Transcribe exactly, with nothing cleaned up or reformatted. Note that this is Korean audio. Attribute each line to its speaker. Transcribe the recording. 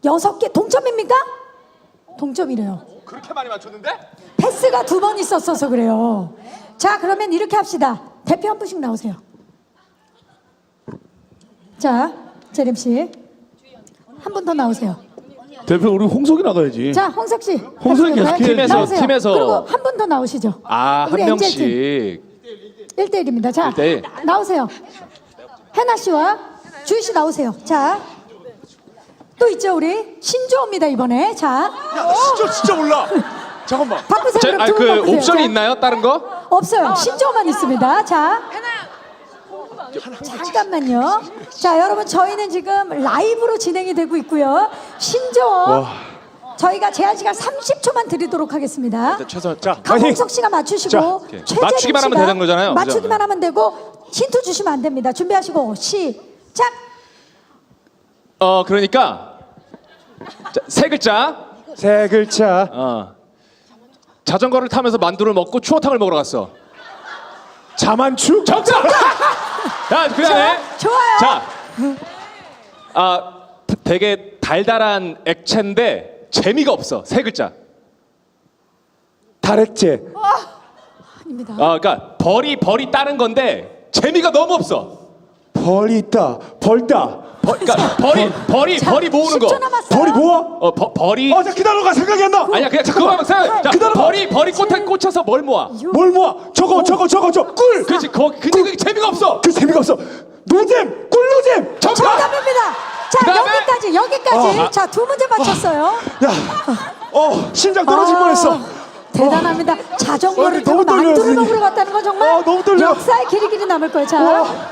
Speaker 1: 여섯 개 동점입니까? 동점이래요.
Speaker 2: 그렇게 많이 맞췄는데?
Speaker 1: 패스가 두 번 있었어서 그래요. 자, 그러면 이렇게 합시다. 대표 한 분씩 나오세요. 자, 재림 씨. 한 분 더 나오세요.
Speaker 3: 대표 우리 홍석이 나가야지.
Speaker 1: 자, 홍석 씨.
Speaker 3: 홍석이
Speaker 1: 같이
Speaker 3: 계속해.
Speaker 2: 팀에서,
Speaker 1: 나오세요.
Speaker 2: 팀에서.
Speaker 1: 그리고 한 분 더 나오시죠.
Speaker 2: 아, 한
Speaker 1: 우리 엔젤 팀.
Speaker 2: 명씩.
Speaker 1: 일 대일입니다. 자,
Speaker 2: 일 대일.
Speaker 1: 나오세요. 해나 씨와 주희 씨 나오세요. 자, 또 있죠 우리 신조어입니다 이번에. 자,
Speaker 3: 야, 진짜 진짜 몰라. 잠깐만.
Speaker 1: 바꾸세요.
Speaker 2: 저,
Speaker 1: 그럼
Speaker 2: 아,
Speaker 1: 두분
Speaker 2: 그
Speaker 1: 바꾸세요.
Speaker 2: 옵션이
Speaker 1: 자,
Speaker 2: 있나요? 다른 거?
Speaker 1: 없어요. 신조어만 있습니다. 자, 잠깐만요. 자, 여러분 저희는 지금 라이브로 진행이 되고 있고요. 신조어 저희가 제한 시간 삼십 초만 드리도록 하겠습니다.
Speaker 2: 최선.
Speaker 3: 자, 파이팅.
Speaker 1: 강홍석 씨가 맞추시고
Speaker 2: 오케이.
Speaker 1: 최재림
Speaker 2: 맞추기만 하면
Speaker 1: 씨가
Speaker 2: 되는 거잖아요.
Speaker 1: 맞추기만
Speaker 2: 그죠?
Speaker 1: 하면 되고 힌트 주시면 안 됩니다. 준비하시고 시작.
Speaker 2: 어, 그러니까 자, 세 글자.
Speaker 3: 세 글자.
Speaker 2: 어. 자전거를 타면서 만두를 먹고 추어탕을 먹으러 갔어.
Speaker 3: 자만추?
Speaker 2: 정답! 자, 그다음에
Speaker 1: 좋아요.
Speaker 2: 자, 아 되게 달달한 액체인데 재미가 없어. 세 글자.
Speaker 3: 다렉제.
Speaker 1: 아닙니다.
Speaker 2: 아, 그러니까 벌이 벌이 따는 건데 재미가 너무 없어.
Speaker 3: 벌이 있다. 벌다.
Speaker 2: 벌, 그러니까 벌이 벌이
Speaker 1: 자,
Speaker 2: 벌이 모으는 거.
Speaker 1: 십 초 남았어요.
Speaker 3: 벌이 모아?
Speaker 2: 어, 버, 벌이.
Speaker 3: 아, 자 기다려가 생각이 안 나.
Speaker 2: 아니야, 그냥 자, 그거만 생각. 자,
Speaker 3: 기다려봐.
Speaker 2: 벌이 벌이 꽃에 꽂혀서 뭘 모아?
Speaker 3: 뭘 모아? 저거 저거 저거 저 꿀.
Speaker 2: 그렇지. 거 근데 그게 재미가 없어.
Speaker 3: 그 재미가 없어. 노잼, 꿀노잼.
Speaker 2: 정답.
Speaker 1: 정답입니다. 자,
Speaker 2: 그다음에?
Speaker 1: 여기까지 여기까지.
Speaker 3: 어.
Speaker 1: 자, 두 문제 맞췄어요.
Speaker 3: 야, 어 심장 떨어질
Speaker 1: 아,
Speaker 3: 뻔했어.
Speaker 1: 대단합니다. 자전거를
Speaker 3: 어,
Speaker 1: 타고
Speaker 3: 너무 떨려요,
Speaker 1: 만두를
Speaker 3: 선생님.
Speaker 1: 먹으러 갔다는 건 정말
Speaker 3: 어, 너무 떨려.
Speaker 1: 역사에 길이 길이 남을 거예요. 자.